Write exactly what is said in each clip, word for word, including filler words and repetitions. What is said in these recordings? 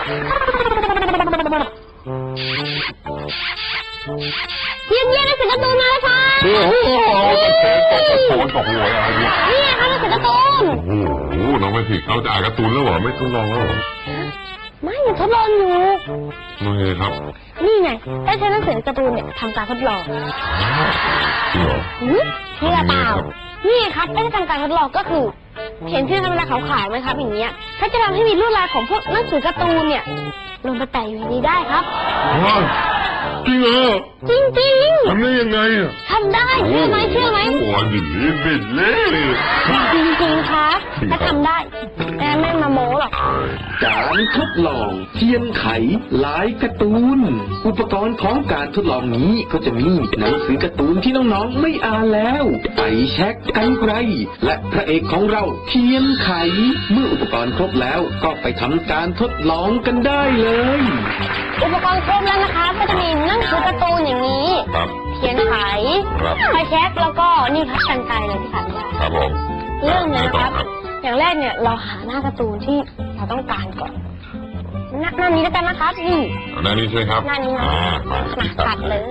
เยี่ยมเยี่ยมหนังสือการ์ตูนมาแล้วค่ะโอ้โหตกตกหัวอะไรเนี่ยนี่ค่ะหนังสือการ์ตูนโอ้โหน้องไม่ผิดเขาจะอ่านการ์ตูนแล้วเหรอไม่ทดลองแล้วเหรอไม่ยังทดลองอยู่นี่ไงครับนี่ไงได้ใช้หนังสือการ์ตูนเนี่ยทำการทดลองจริงเหรอนี่ละเปล่านี่ครับได้ทำการทดลองก็คือเห็นที่ธรรมดาขาวๆไหมครับอย่างเงี้ยถ้าจะทำให้มีลวดลายของพวกหนังสือการ์ตูนเนี่ยลงไปแปะอยู่ในนี้ได้ครับจริงเหรอจริงจริงทำได้ยังไงอ่ะทำได้เชื่อไหมเชื่อไหมโอ้ยดิบิดเลยจริงจริงครับถ้าทำได้แม่ไม่มาโม้หรอกการทดลองเทียนไขลายการ์ตูนอุปกรณ์ของการทดลองนี้ก็จะมีหนังสือการ์ตูนที่น้องๆไม่อ่านแล้วไฟแช็กกรรไกรและพระเอกของเราเทียนไขเมื่ออุปกรณ์ครบแล้วก็ไปทำการทดลองกันได้เลยอุปกรณ์ครบแล้วนะคะก็จะมีหนังสือการ์ตูนอย่างนี้เทียนไขไฟแช็กแล้วก็นี่ครับกรรไกรเลยที่ขาดไม่ได้ครับผมเรื่องนี้นะครับอย่างแรกเนี่ยเราหาหน้าการ์ตูนที่เราต้องการก่อนหน้าหน้านี้แล้วกันนะครับนี่หน้านี้ใช่ครับหน้านี้นะมาตัดเลย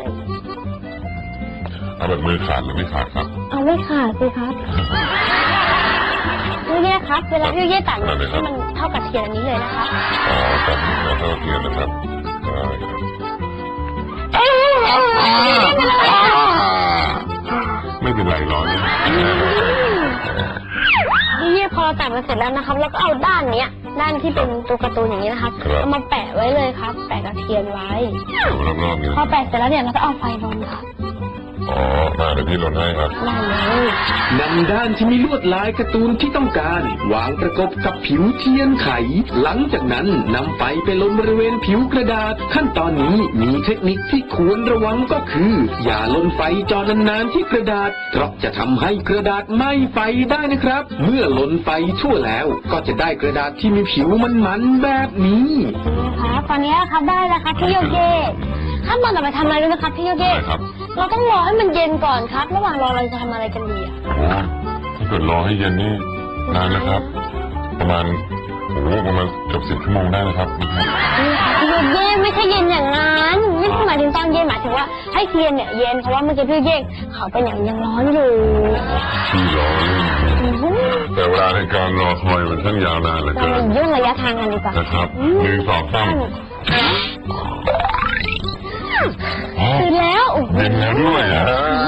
เอาแบบมือขาดหรือไม่ขาดครับเอาไม่ขาดสิครับนี่นะครับเวลาที่เย่ตัดให้มันเท่ากับเทียนอันนี้เลยนะคะอ๋อตัดเท่าเทียนนะครับไม่เป็นไรร้อนนี่พอเราตัดมาเสร็จแล้วนะครับแล้วก็เอาด้านเนี้ยด้านที่เป็นตัวการ์ตูนอย่างนี้นะครับเอามาแปะไว้เลยครับแปะกับเทียนไว้พอแปะเสร็จแล้วเนี่ยเราก็เอาไฟลนครับอ๋อมาเดี๋ยวพี่ลนให้ครับได้เลยนำด้านที่มีลวดลายการ์ตูนที่ต้องการวางประกบกับผิวเทียนไขหลังจากนั้นนำไฟไปลนบริเวณผิวกระดาษขั้นตอนนี้มีเทคนิคที่ควรระวังก็คืออย่าลนไฟจอนานๆที่กระดาษเพราะจะทำให้กระดาษไหม้ไฟได้นะครับเมื่อลนไฟทั่วแล้วก็จะได้กระดาษที่มีผิวมันๆแบบนี้ครับตอนนี้ครับได้แล้วครับพี่โยเกะขั้นตอนต่อไปทำอะไรรู้ไหมครับพี่โยเกะเราต้องรอให้มันเย็นก่อนครับระหว่างรอเราจะทำอะไรกันดีอ่ะโอ้ถ้าเกิดรอให้เย็นนี่นานนะครับประมาณโอ้ประมาณเกือบสิบชั่วโมงได้นะครับนี่ค่ะพี่โยเกะไม่ใช่เย็นอย่างนั้นไม่ใช่หมายถึงตอนเย็นหมายถึงว่าให้เทียนเนี่ยเย็นเพราะว่าเมื่อกี้พี่โยเกะเขาเป็นอย่างยังร้อนอยู่ที่ร้อนแต่เวลาในการรอคอยมันช่างยาวนานเหลือเกินเรายุ่งระยะทางกันดีกว่านะครับหนึ่งสองสามตื่นแล้วเป็นแล้วด้วยอ่ะ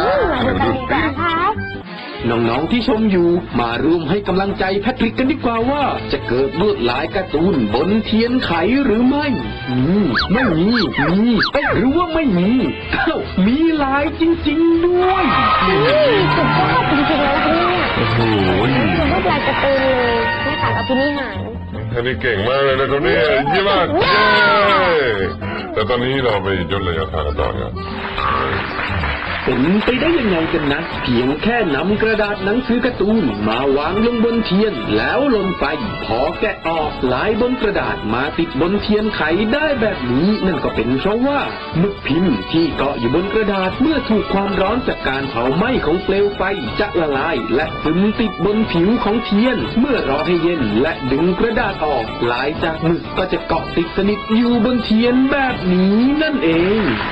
น้องๆที่ชมอยู่มาร่วมให้กำลังใจแพทริกกันดีกว่าว่าจะเกิดลวดลายการ์ตูนบนเทียนไขหรือไม่มีไม่มีมีเอ๊ะหรือว่าไม่มีอ้าวมีลายจริงๆด้วยสุดยอดจริงๆแล้วค่ะเนี่ยโอ้โหเป็นลวดลายการ์ตูนเลยแม่ขาดเอาพินิหารท่านนี้เก่งมากเลยนะคนนี้เยี่ยมมากแต่ตอนนี้เราไปย่นระยะทางกันต่อเนี่ยเป็นไปได้ยังไงกันนะเพียงแค่นำกระดาษหนังสือการ์ตูนมาวางลงบนเทียนแล้วลนไฟพอแกะออกลายบนกระดาษมาติดบนเทียนไขได้แบบนี้นั่นก็เป็นเพราะว่าหมึกพิมพ์ที่เกาะอยู่บนกระดาษเมื่อถูกความร้อนจากการเผาไหม้ของเปลวไฟจะละลายและซึมติดบนผิวของเทียนเมื่อรอให้เย็นและดึงกระดาษออกลายจากหมึกก็จะเกาะติดสนิทอยู่บนเทียนแบบนี้นั่นเอง